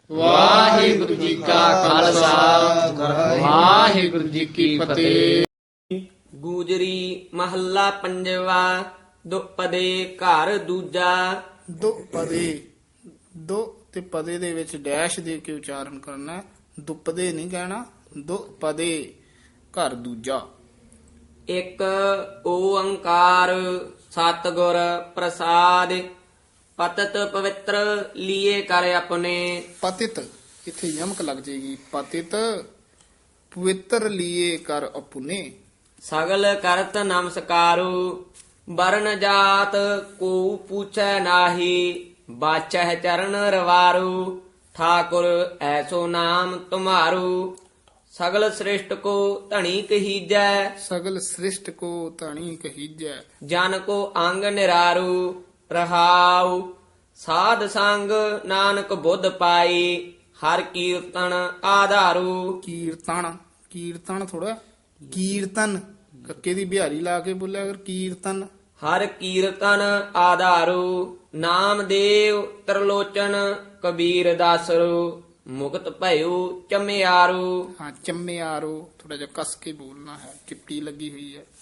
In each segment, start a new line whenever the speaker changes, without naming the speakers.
ਵਾਹਿਗੁਰੂ ਜੀ ਕਾ ਖਾਲਸਾ ਵਾਹਿਗੁਰੂ ਜੀ ਕੀ ਫਤਿਹ।
ਗੂਜਰੀ ਮਹੱਲਾ ਪੰਜਵਾ। ਦੁਪਦੇ ਘਰ ਦੂਜਾ।
ਦੋ ਪਦੇ, ਦੋ ਤੇ ਪਦੇ ਦੇ ਵਿੱਚ ਡੈਸ਼ ਦੇ ਕੇ ਉਚਾਰਨ ਕਰਨਾ ਹੈ। ਦੁਪਦੇ ਨਹੀਂ ਕਹਿਣਾ, ਦੋ ਪਦੇ ਘਰ ਦੂਜਾ।
ਇੱਕ ਓੰਕਾਰ ਸਤਿਗੁਰ ਪ੍ਰਸਾਦ। ਪਤਤ ਪਵਿੱਤਰ ਲੀਏ ਕਰ ਆਪਣੇ।
ਪਤਿਤ ਇੱਥੇ ਯਮਕ ਲੱਗ ਜਾਏਗੀ। ਪਤਿਤ ਪਵਿੱਤਰ ਲੀਏ ਕਰ ਆਪਣੇ।
ਸਗਲ ਕਰਤ ਨਮਸਕਾਰੂ। ਵਰਨ ਜਾਤ ਕੋ ਪੁੱਛੈ ਨਾਹੀ। ਬਾਚਹਿ ਚਰਨ ਰਵਾਰੂ। ਠਾਕੁਰ ਐਸੋ ਨਾਮ ਤੁਮਾਰੂ। ਸਗਲ ਸ੍ਰਿਸ਼ਟ ਕੋ ਧਣੀ ਕਹੀਜੈ।
ਸਗਲ ਸ੍ਰਿਸ਼ਟ ਕੋ ਧਣੀ ਕਹੀਜੈ।
ਜਨ ਕੋ ਅੰਗ ਨਿਰਾਰੂ। ਰਹਾਉ ਸਾਧ ਸੰਗ ਨਾਨਕ ਬੁੱਧ ਪਾਈ। ਹਰ ਕੀਰਤਨ ਆਧਾਰੂ।
ਕੀਰਤਨ, ਕੀਰਤਨ ਥੋੜਾ ਕੀਰਤਨ ਕੱਕੇ ਦੀ ਬਿਹਾਰੀ ਲਾ ਕੇ ਬੋਲਿਆ ਅਗਰ ਕੀਰਤਨ।
ਹਰ ਕੀਰਤਨ ਆਧਾਰੂ। ਨਾਮਦੇਵ ਤਰਲੋਚਨ ਕਬੀਰ ਦਾਸਰੂ। ਮੁਕਤ ਭਇਓ ਚਮਿਆਰੂ।
ਹਾਂ ਚੰਮਿਆਰੋ ਥੋੜਾ ਜਿਹਾ ਕਸ ਕੇ ਬੋਲਣਾ ਹੈ, ਚਿੱਟੀ ਲੱਗੀ ਹੋਈ ਹੈ।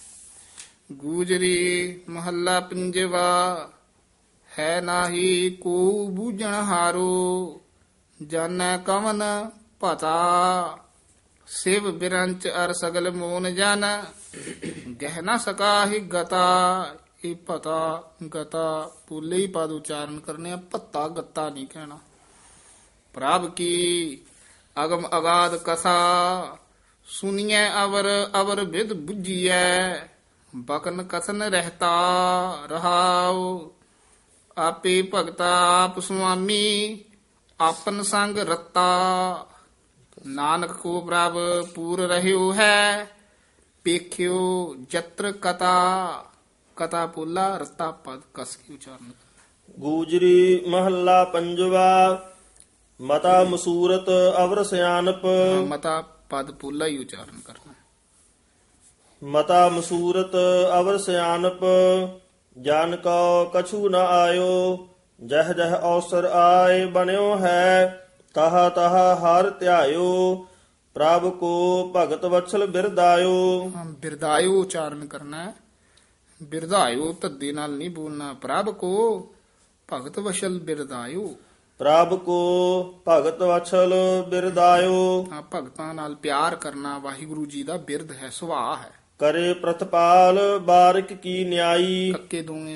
ਗੂਜਰੀ ਮਹੱਲਾ ਪੰਜਵਾ। ਹੈ ਨਾਹੀ ਕੋ ਬੂਝਣ ਹਾਰੋ। ਜਾਣੈ ਕਵਨ ਪਤਾ। ਸਿਵ ਬਿਰੰਚ ਅਰ ਸਗਲ ਮੋਨ ਜਨ। ਗਹਿ ਨਾ ਸਕਾਹੀ ਗਤਾ। ਇਹ ਪਤਾ ਗਤਾ ਪੂਲੇ ਹੀ ਪਦ ਉਚਾਰਨ ਕਰਨੇ ਆ, ਭੱਤਾ ਗੱਤਾ ਨਹੀਂ ਕਹਿਣਾ। ਪ੍ਰਭ ਕੀ ਅਗਮ ਅਗਾਧ ਕਥਾ। ਸੁਨੀਐ ਅਵਰ ਅਵਰ ਵਿਦ ਬੁੱਝੀਐ। ਬਕਨ ਕਥਨ ਰਹਿਤਾ ਰਹਾਉ। ਆਪੇ ਭਗਤਾ ਆਪ ਸੁਆਮੀ। ਆਪਨ ਸੰਗ ਰਤਾ। ਨਾਨਕ ਕੋ ਪ੍ਰਭ ਪੂਰ ਰਹਿਓ ਹੈ। ਪੇਖਿਓ ਜਤਰ ਕਤਾ। ਕਤਾ ਪੋਲਾ ਰਤਾ ਪਦ ਕਸ ਕੇ ਉਚਾਰਨ।
ਗੂਜਰੀ ਮਹੱਲਾ ਪੰਜਵਾ। ਮਤਾ ਮਸੂਰਤ ਅਵਰ ਸਿਆਨਪ।
ਮਤਾ ਪਦ ਪੋਲਾ ਹੀ ਉਚਾਰਨ ਕਰਨਾ।
ਮਤਾ ਮਸੂਰਤ ਅਵਰ ਸਿਆਨਪ। ਜਨ ਕੋ ਕਛੂ ਨ ਆਇਓ। ਜਹ ਜਹ ਅਵਸਰ ਆਏ ਬਣਿਓ ਹੈ। ਤਹ ਤਹ ਹਰ ਧਿਆਇਓ। ਪ੍ਰਭ ਕੋ ਭਗਤ ਵਛਲ ਬਿਰਦਾਇਓ।
ਬਿਰਦਾਇਓ ਉਚਾਰਨ ਕਰਨਾ ਹੈ। ਬਿਰਦਾਇਓ ਧੱਦੇ ਨਾਲ ਨਹੀਂ ਬੋਲਣਾ। ਪ੍ਰਭ ਕੋ ਭਗਤ ਵਸ਼ਲ ਬਿਰਦਾਇਓ।
ਪ੍ਰਭ ਕੋ ਭਗਤ ਵਛਲ ਬਿਰਦਾਇਓ।
ਹਾਂ ਭਗਤਾਂ ਨਾਲ ਪਿਆਰ ਕਰਨਾ ਵਾਹਿਗੁਰੂ ਜੀ ਦਾ ਬਿਰਦ ਹੈ, ਸੁਭਾਅ ਹੈ।
ਕਰੇ ਪ੍ਰਤਪਾਲ ਬਾਰਿਕ ਕੀ ਨਿਆਈ।
ਕੱਕੇ ਦੋਵੇਂ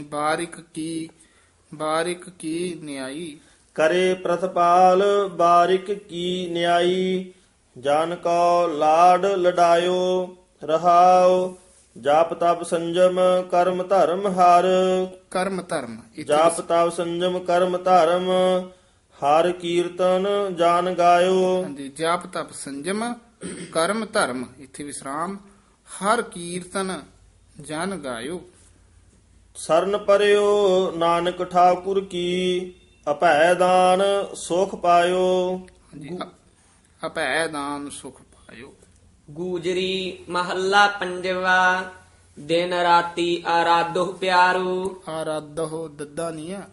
ਬਾਰਿਕ ਕੀ ਨਿਆਈ।
ਕਰੇ ਪ੍ਰਤਪਾਲ ਬਾਰਿਕ ਕੀ ਨਿਆਈ। ਜਨ ਕੋ ਲਾਡ ਲਡਾਇਓ। ਰਹਾਉ ਜਾਪ ਤਪ ਸੰਜਮ ਕਰਮ ਧਰਮ ਹਰ।
ਕਰਮ ਧਰਮ ਇੱਥੇ
ਜਾਪ ਤਪ ਸੰਜਮ ਕਰਮ ਧਰਮ ਹਰ ਕੀਰਤਨ ਜਾਨ ਗਾਇਓ।
ਹਾਂਜੀ, ਜਾਪ ਤਪ ਸੰਜਮ ਕਰਮ ਧਰਮ ਇੱਥੇ ਵਿਸਰਾਮ। ਹਰ ਕੀਰਤਨ ਜਨ ਗਾਇਓ।
ਸਰਨ ਪਰਿਓ ਨਾਨਕ ਠਾਕੁਰ ਕੀ। ਅਭੈ ਦਾਨ ਸੁਖ ਪਾਇਓ।
ਹਾਂਜੀ, ਅਭੈ ਦਾਨ ਸੁਖ ਪਾਇਓ।
ਗੂਜਰੀ ਮਹੱਲਾ ਪੰਜਵਾ। ਦਿਨ ਰਾਤੀ ਆਰਾਧੋ ਪਿਆਰੂ।
ਆਰਾਧੋ ਦੱਦਾ ਨਹੀਂ ਹੈ,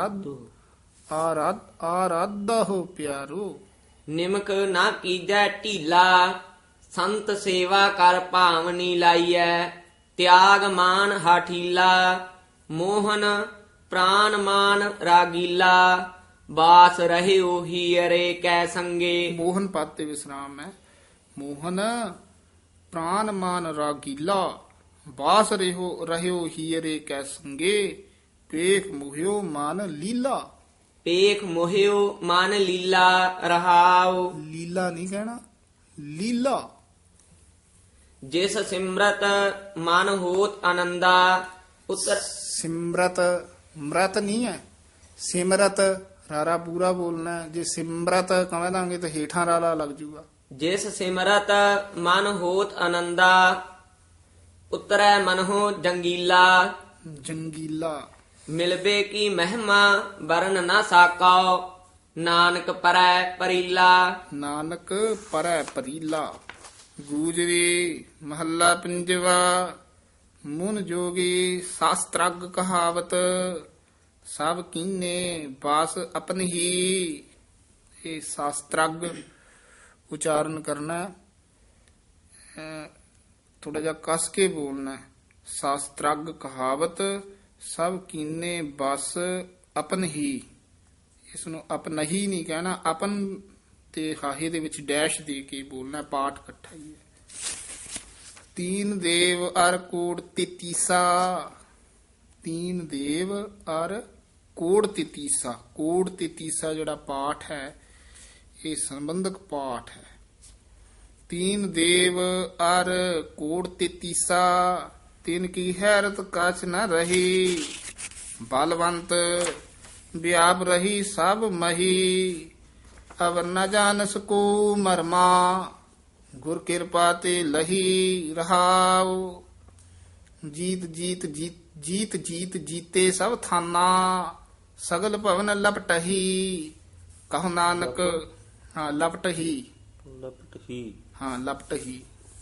ਆਰਾਧੋ ਪਿਆਰੋ।
ਨਿਮਕ ਨਾ ਕੀਜੈ ਢੀਲਾ। ਸੰਤ ਸੇਵਾ ਕਰ ਭਾਵਨੀ ਲਾਈਐ। ਤਿਆਗ ਮਾਨ ਹਾਠੀਲਾ। ਮੋਹਨ ਪ੍ਰਾਨ ਮਾਨ ਰਾਗੀਲਾ। ਬਾਸ ਰਹਿਓ ਹੀਰੇ ਕੈ ਸੰਗੇ।
ਮੋਹਨ ਪਦ ਤੇ ਵਿਸਰਾਮ ਹੈ। ਮੋਹਨ ਪ੍ਰਾਨ ਮਾਨ ਰਾਗੀਲਾ। ਬਾਸ ਰਹਿਓ ਹੀਰੇ ਕੈ ਸੰਗੇ। ਪੇਖ ਮੁਹਿਓ ਮਨ ਲੀਲਾ।
ਪੇਖ ਮੋਹਿਓ ਮਨ ਲੀਲਾ। ਰਹਾਉ
ਲੀਲਾ ਨਹੀਂ ਕਹਿਣਾ, ਲੀਲਾ।
ਜਿਸ ਸਿਮਰਤ ਮਨ ਹੋਤ ਆਨੰਦਾ। ਉਤਰ
ਸਿਮਰਤ ਮ੍ਰਤ ਨਹੀਂ ਹੈ, ਸਿਮਰਤ ਰਾਰਾ ਪੂਰਾ ਬੋਲਣਾ ਹੈ। ਜੇ ਸਿਮਰਤ ਕਹਾਂ ਦਾਂਗੇ ਤਾਂ ਹੇਠਾਂ ਰਾਰਾ ਲੱਗ ਜੂਗਾ।
ਜਿਸ ਸਿਮਰਤ ਮਨ ਹੋਤ ਆਨੰਦਾ। ਉਤਰੈ ਮਨਹੁ ਜੰਗੀਲਾ।
ਜੰਗੀਲਾ।
ਮਿਲਬੇ ਕੀ ਮਹਿਮਾ ਵਰਨ ਨਾ ਸਾਕਉ। ਨਾਨਕ ਪਰੈ ਪਰੀਲਾ।
ਨਾਨਕ ਪਰੈ ਪਰੀਲਾ। ਗੂਜਰੀ ਮਹੱਲਾ ਪੰਜਵਾ। ਮੁਨ ਜੋਗੀ ਸਾਸਤ੍ਰਗ ਕਹਾਵਤ। ਸਭ ਕੀਨੇ ਬਾਸ ਆਪਨ ਹੀ। ਇਹ ਸ਼ਾਸਤਰਗ ਉਚਾਰਨ ਕਰਨਾ, ਥੋੜਾ ਜਿਹਾ ਕਸ ਕੇ ਬੋਲਣਾ। ਸ਼ਾਸਤਰਗ ਕਹਾਵਤ ਸਭ ਕੀਨੇ ਬਸ ਆਪਨ ਹੀ, ਇਸ ਨੂੰ ਆਪਨ ਹੀ ਨਹੀਂ ਕਹਿਣਾ, ਆਪਨ ਤੇ ਹਾਹੇ ਦੇ ਵਿੱਚ ਡੈਸ਼ ਦੇ ਕੇ ਬੋਲਣਾ, ਪਾਠ ਇਕੱਠਾ ਹੀ ਹੈ। ਤੀਨ ਦੇਵ ਅਰ ਕੋੜ ਤੀਤੀਸਾ, ਤੀਨ ਦੇਵ ਅਰ ਕੋੜ ਤੀਤੀਸਾ, ਕੋੜ ਤੀਤੀਸਾ ਜਿਹੜਾ ਪਾਠ ਹੈ ਇਹ ਸੰਬੰਧਕ ਪਾਠ ਹੈ। ਤੀਨ ਦੇਵ ਅਰ ਕੋੜ ਤੀਤੀਸਾ, ਤਿਨ ਕੀ ਹੈਰਤ ਕਛ ਨ ਰਹੀ, ਬਲਵੰਤ ਵਿਆਪ ਰਹੀ ਸਭ ਮਹੀ, ਅਵਰ ਨ ਜਾਣਸ ਕੋ ਮਰਮਾ, ਗੁਰ ਕਿਰਪਾ ਤੇ ਲਹੀ ਰਹਾਉ, ਜੀਤ ਜੀਤ ਜੀਤ ਜੀਤ ਜੀਤੇ ਸਭ ਥਾਨਾ, ਸਗਲ ਭਵਨ ਲਪਟਹੀ, ਕਹੋ ਨਾਨਕ। ਹਾਂ ਲਪਟਹੀ,
ਲਪਟ ਹੀ
ਹਾਂ ਲਪਟਹੀ,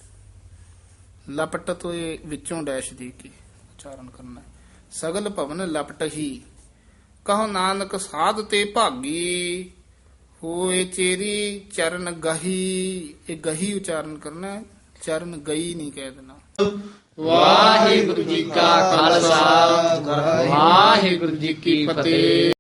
ਲਪਟ ਤੋਂ ਇਹ ਵਿੱਚੋਂ ਡੈਸ਼ ਦੇ ਕੇ ਉਚਾਰਨ ਕਰਨਾ। ਸਗਲ ਭਵਨ ਲਪਟਹੀ, ਕਹੋ ਨਾਨਕ ਸਾਧ ਤੇ ਭਾਗੀ, ਹੋਏ ਚੇਰੀ ਚਰਨ ਗਹੀ, ਇਹ ਗਹੀ ਉਚਾਰਨ ਕਰਨਾ, ਚਰਨ ਗਈ ਨਹੀਂ ਕਹਿ ਦੇਣਾ।
ਵਾਹਿਗੁਰੂ ਜੀ ਕਾ ਖਾਲਸਾ ਵਾਹਿਗੁਰੂ ਜੀ ਕੀ ਫਤਿਹ।